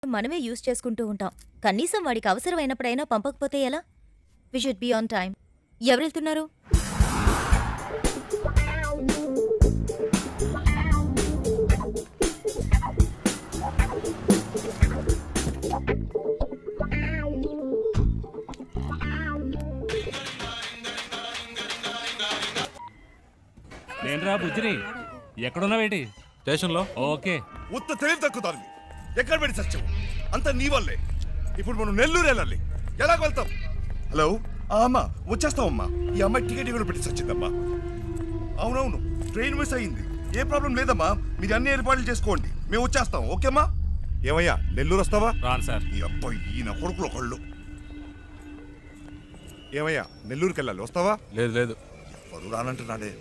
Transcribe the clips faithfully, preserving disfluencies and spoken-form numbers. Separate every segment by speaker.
Speaker 1: మనమే యూజ్ చేసుకుంటూ ఉంటాం. కనీసం వాడికి అవసరమైనప్పుడైనా పంపకపోతే ఎలా? We should be on time. ఎవరెళ్తున్నారు?
Speaker 2: నేనురా బుజ్జిని. ఎక్కడున్నావేటి?
Speaker 3: స్టేషన్లో.
Speaker 2: ఓకే.
Speaker 4: ఉత్త తెలివి తక్కుతాను. ఎక్కడ పెట్టి సత్యం అంత నీ వల్లే. ఇప్పుడు మనం నెల్లూరు వెళ్ళాలి. ఎలా వెళ్తాం? హలో అమ్మా, వచ్చేస్తామమ్మా. ఈ అమ్మాయి టికెట్ కూడా పెట్టి సచ్చిందమ్మా. అవునవును, ట్రైన్ మిస్ అయ్యింది. ఏ ప్రాబ్లం లేదమ్మా, మీరు అన్ని ఏర్పాట్లు చేసుకోండి, మేము వచ్చేస్తాం. ఓకేమ్మా? ఏమయ్యా, నెల్లూరు వస్తావా?
Speaker 2: రాను సార్.
Speaker 4: ఈ అబ్బాయి ఈయన కొడుకులు ఒకళ్ళు. ఏమయ్యా, నెల్లూరుకి వెళ్ళాలి, వస్తావా?
Speaker 3: లేదు లేదు,
Speaker 4: ఎవరు రానంటున్నాడే.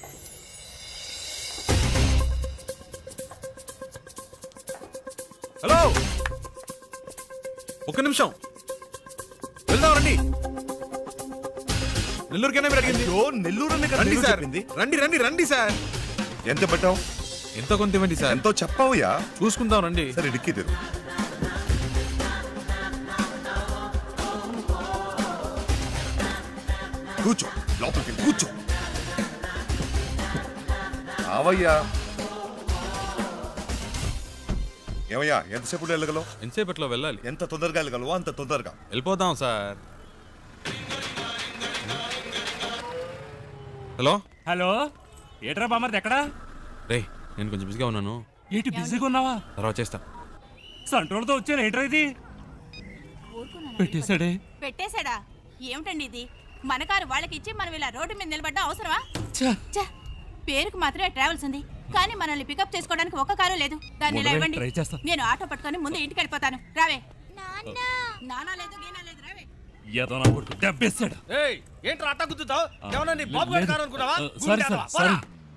Speaker 3: హలో, ఒక్క నిమిషం, వెళ్దాం రండి. నెల్లూరుకైనా మీరు అడిగింది?
Speaker 4: అయ్యో, నెల్లూరు అనే కదా
Speaker 3: రండి
Speaker 4: నెల్లూరు
Speaker 3: సార్,
Speaker 4: చెప్పింది.
Speaker 3: రండి రండి రండి సార్.
Speaker 4: ఎంత పెట్టావు?
Speaker 3: ఎంతో కొంత ఇవ్వండి సార్.
Speaker 4: ఎంతో చెప్పావుయా?
Speaker 3: చూసుకుందాం రండి.
Speaker 4: సరే, డిక్కీ తెరు. కూర్చో, లోపలికి వెళ్ళి కూర్చో. అవయ్యా. ఏమయ్యా, ఎంతసేపు వెళ్ళగలవు?
Speaker 3: ఎంతసేపట్లో వెళ్ళాలి?
Speaker 4: ఎంత తొందరగా వెళ్ళగలవో అంత తొందరగా
Speaker 3: వెళ్ళిపోదాం సార్. హలో
Speaker 2: హలో, ఏట్రా బామర్ది ఎక్కడా?
Speaker 3: రే, నేను కొంచెం బిజీగా ఉన్నాను.
Speaker 2: ఏంటి బిజీగా ఉన్నావా?
Speaker 3: తర్వాత చేస్తా.
Speaker 2: సంట్రోల్తో వచ్చాను. ఏంట్రా ఇది? పెట్టేశాడే.
Speaker 5: పెట్టేశాడా? ఏమిటండి ఇది? మన కారు వాళ్ళకి ఇచ్చి మనం ఇలా రోడ్డు మీద నిలబడ్డా అవసరమా?
Speaker 2: ఛ!
Speaker 5: ఛ! పేరుకు మాత్రమే ట్రావెల్స్ ఉంది, కానీ మనల్ని పికప్ చేసుకోవడానికి ఒక్క కారు లేదు. దాన్ని ఇలా
Speaker 2: మొదలై
Speaker 5: ఇవ్వండి,
Speaker 2: ట్రై చేస్తా.
Speaker 5: నేను ఆటో పట్టుకొని ముందు ఇంటికి వెళ్ళిపోతాను. రావే. నానా లేదు, గీనా లేదు, రావే.
Speaker 2: ఏదో నా కొడుకు దెబ్బేశాడు.
Speaker 6: ఏయ్, ఏంట్రా అట్టా గుద్దుతావ్? ఏమన్నా నీ బాబు గారి కారు అనుకున్నావా?
Speaker 2: Sorry sir, sorry.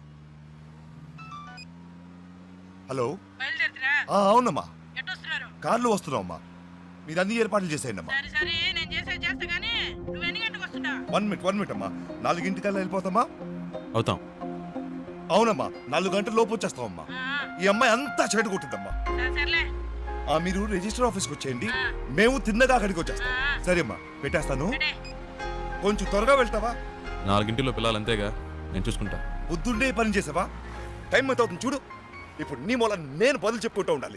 Speaker 4: హలో. ఆ, అవునమ్మా, కార్లో వస్తున్నామమ్మా. మీరు అన్ని ఏర్పాట్లు చేసేయండి అమ్మా. వన్ మినిట్ వన్ మినిట్ అమ్మా. నాలుగింటికల్లా వెళ్ళిపోతామా?
Speaker 3: అవుతాం.
Speaker 4: అవునమ్మా, నాలుగు గంటల లోపు వచ్చేస్తామమ్మా. ఈ అమ్మాయి అంతా చెడు కొట్టిందమ్మా. ఆ, మీరు రిజిస్టర్ ఆఫీస్కి వచ్చేయండి, మేము తిన్నగా అక్కడికి వచ్చేస్తాం. సరే అమ్మా, పెట్టేస్తాను. కొంచెం త్వరగా వెళ్తావా?
Speaker 3: నాలుగింటిలో పిల్లలు అంతేగా, నేను చూసుకుంటా.
Speaker 4: బుద్ధుండే పని చేసావా? టైం ఎంత అవుతుంది చూడు. ఇప్పుడు నీ మూల నేను బదులు చెప్పుకుంటూ ఉండాలి.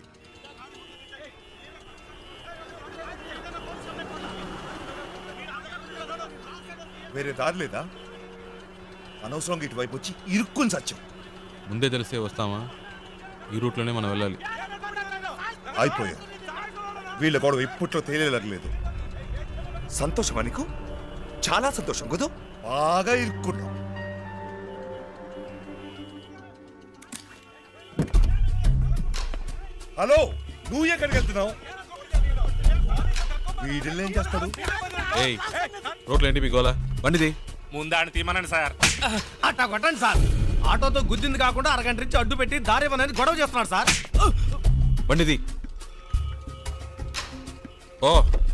Speaker 4: వేరే దారి లేదా? అనవసరంగా ఇటువైపు వచ్చి ఇరుక్కుని సత్యం.
Speaker 3: ముందే తెలిసే వస్తామా? ఈ రూట్లోనే మనం వెళ్ళాలి.
Speaker 4: అయిపోయా, వీళ్ళ గొడవ ఇప్పట్లో తేలేలేదు. సంతోషమా నీకు? చాలా సంతోషం కదూ. బాగా ఇరుక్కున్నావు. హలో, నువ్వు ఎక్కడికి వెళ్తున్నావు? వీడిల్ని ఏం చేస్తాడు?
Speaker 3: ఏయ్, రోడ్లు ఏంటి మీ గోలా? బండిది
Speaker 2: ముందాన్ని తీమనండి సార్.
Speaker 6: అట్టా కొట్టండి సార్. ఆటోతో గుద్దింది కాకుండా అరగంట నుంచి అడ్డు పెట్టి దారి ఇవ్వనని గొడవ చేస్తున్నాడు సార్.
Speaker 3: బండిది. ఓ,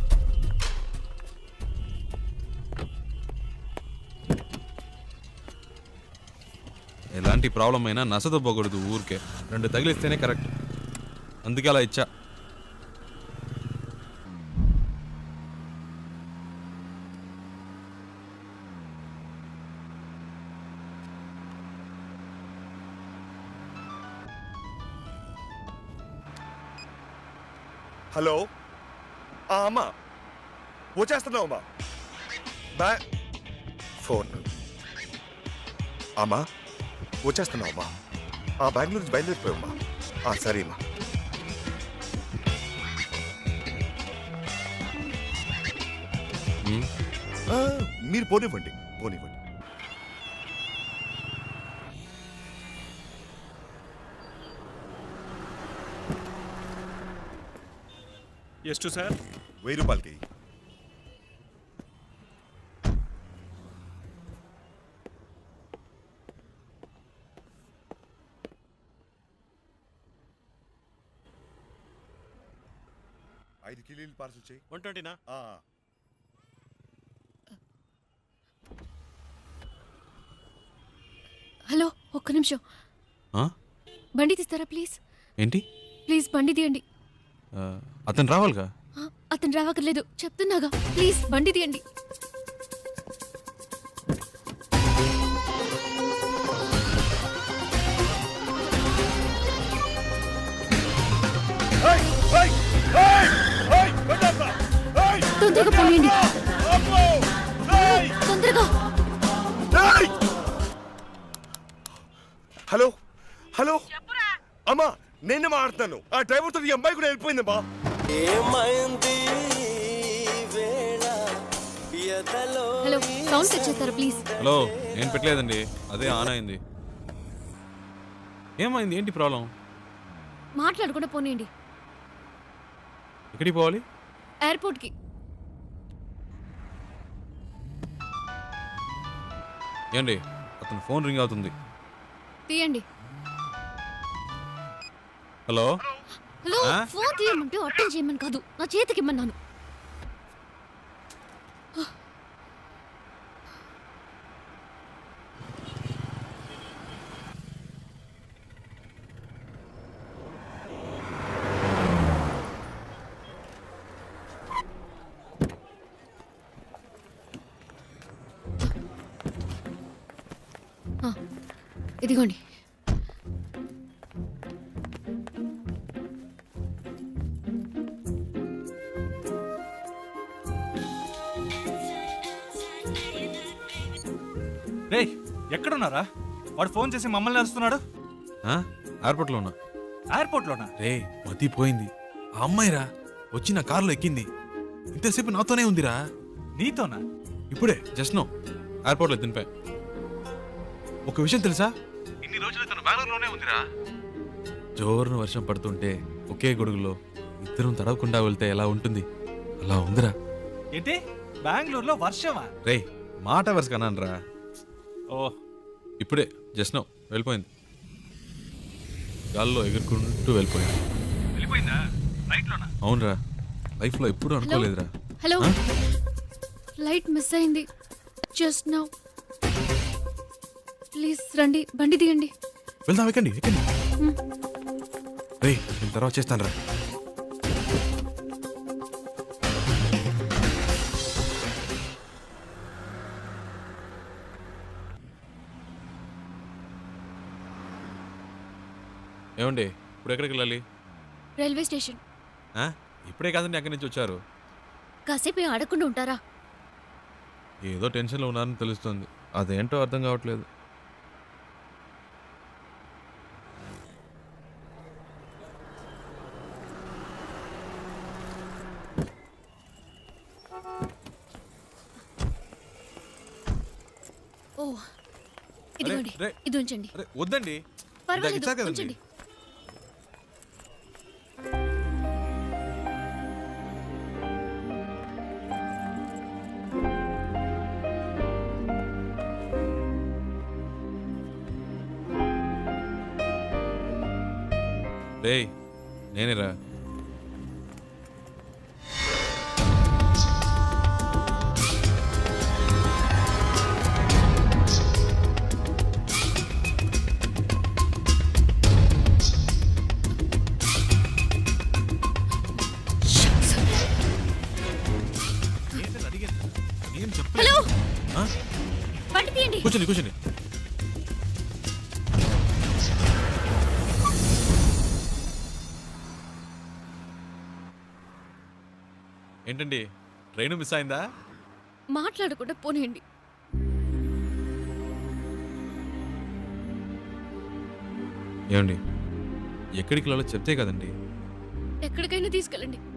Speaker 3: ఎలాంటి ప్రాబ్లం అయినా నసదొబ్బకూడదు ఊరికే. రెండు తగిలిస్తేనే కరెక్ట్, అందుకే అలా ఇచ్చా.
Speaker 4: హలో. అమ్మా, వచ్చేస్తున్నావు అమ్మా. బా ఫోన్. అమ్మా, వచ్చేస్తున్నావు అమ్మా. ఆ బెంగళూరు నుంచి బయలుదేరిపోయామ్మా. సరే అమ్మా. మీరు పోనివ్వండి పోనివ్వండి.
Speaker 2: ಎಷ್ಟು సార్?
Speaker 4: వెయ్యి రూపాయలకి. ఐదు కిలీలు పార్సల్ చేయి.
Speaker 6: వన్ ట్వంటీనా?
Speaker 7: హలో, ఒక్క నిమిషం. బండి తీస్తారా ప్లీజ్?
Speaker 3: ఏంటి?
Speaker 7: ప్లీజ్ బండి తీయండి.
Speaker 3: అతను రావాలిగా.
Speaker 7: ఆ, అతను రావక్కర్లేదు చెప్తున్నాగా. ప్లీజ్ బండి తీయండి.
Speaker 4: ఏయ్, ఏయ్, ఏయ్, ఏయ్, బండప్పా, ఏయ్,
Speaker 7: తొందరగా పోనీయండి.
Speaker 4: అబ్బో, ఏయ్,
Speaker 7: తొందరగా.
Speaker 4: ఏయ్. హలో హలో అమ్మా నేను మాట్లాడుతాను. ఆ డ్రైవర్ తో ఈ అమ్మాయి కూడా వెళ్ళిపోయిందమ్మా.
Speaker 7: హలో సౌండ్ తెచ్చేస్తారా ప్లీజ్?
Speaker 3: హలో నేను పెట్టలేదండి, అదే ఆన్ అయింది. ఏమైంది, ఏంటి ప్రాబ్లం?
Speaker 7: మాట్లాడకుండా పోనీయండి.
Speaker 3: ఎక్కడికి పోవాలి?
Speaker 7: ఎయిర్పోర్ట్కి.
Speaker 3: ఏండి అతను ఫోన్ రింగ్ అవుతుంది.
Speaker 7: తీయండి.
Speaker 3: హలో
Speaker 7: హలో
Speaker 3: ఆ?
Speaker 7: ఫోన్ తీయమంటే అటెండ్ చేయమని కాదు, నా చేతికి ఇమ్మన్నాను. ఆ, ఇదిగోండి.
Speaker 8: రే ఎక్కడున్నారా? వాడు ఫోన్ చేసి మమ్మల్ని అరుస్తున్నాడు.
Speaker 3: ఆ? ఎయిర్పోర్ట్లో ఉన్నా.
Speaker 8: ఎయిర్పోర్ట్లోనా?
Speaker 3: రే మతిపోయింది, ఆ అమ్మాయిరా వచ్చి నా కారులో ఎక్కింది. ఇంతసేపు నాతోనే ఉందిరా.
Speaker 8: నీతోనా?
Speaker 3: ఇప్పుడే జస్ట్ నో ఎయిర్పోర్ట్లో దింపా. ఒక విషయం తెలుసా, ఇన్ని రోజులు తను బెంగళూరులోనే ఉందిరా. జోరున వర్షం పడుతుంటే ఒకే గొడుగులో ఇద్దరం తడవకుండా వెళ్తే ఎలా ఉంటుంది, అలా ఉందిరా.
Speaker 8: ఏంటి బెంగళూరులో వర్షమా?
Speaker 3: రే మాట వరుస కన్నాను రా.
Speaker 8: ఓ
Speaker 3: ఇప్పుడే జస్ట్ నో వెళ్ళిపోయింది, గాల్లో ఎగురుకుంటూ వెళ్ళిపోయింది.
Speaker 8: వెళ్ళిపోయిందా? ఫ్లైట్లోనా?
Speaker 3: అవునరా, లైఫ్లో ఎప్పుడూ అనుకోలేదురా.
Speaker 7: హలో
Speaker 3: ఆ?
Speaker 7: లైట్ మిస్ అయింది జస్ట్ నౌ. ప్లీజ్ రండి, బండి తీయండి.
Speaker 3: వెళ్దాం, ఎక్కండి ఎక్కండి. రే నేను తర్వాత చేస్తాను రా. ఏమండి ఇప్పుడు ఎక్కడికి వెళ్ళాలి?
Speaker 7: Railway station.
Speaker 3: ఆ? ఇప్పుడే కాదండి అక్కడి నుంచి వచ్చారు.
Speaker 7: కాసేపు ఏం ఆడకుండా ఉంటారా?
Speaker 3: ఏదో టెన్షన్లో ఉన్నారని తెలుస్తుంది, అదేంటో అర్థం కావట్లేదు.
Speaker 7: ఓ ఇదిగోండి,
Speaker 3: రే.
Speaker 7: ఇది ఉంచండి.
Speaker 3: అరే వద్దండి,
Speaker 7: పర్వాలేదు
Speaker 3: ఇచ్చారు కదండి.
Speaker 7: ఉంచండి.
Speaker 3: రేయ్ నేనేరా.
Speaker 7: హలో
Speaker 3: ఆ?
Speaker 7: బండి తీయండి.
Speaker 3: కూర్చోండి కూర్చోండి. ఏంటండి ట్రైన్ మిస్ అయిందా?
Speaker 7: మాట్లాడకుండా పోనీయండి.
Speaker 3: ఏమండి ఎక్కడికి వెళ్ళాలో చెప్తే కదండి.
Speaker 7: ఎక్కడికైనా తీసుకెళ్ళండి.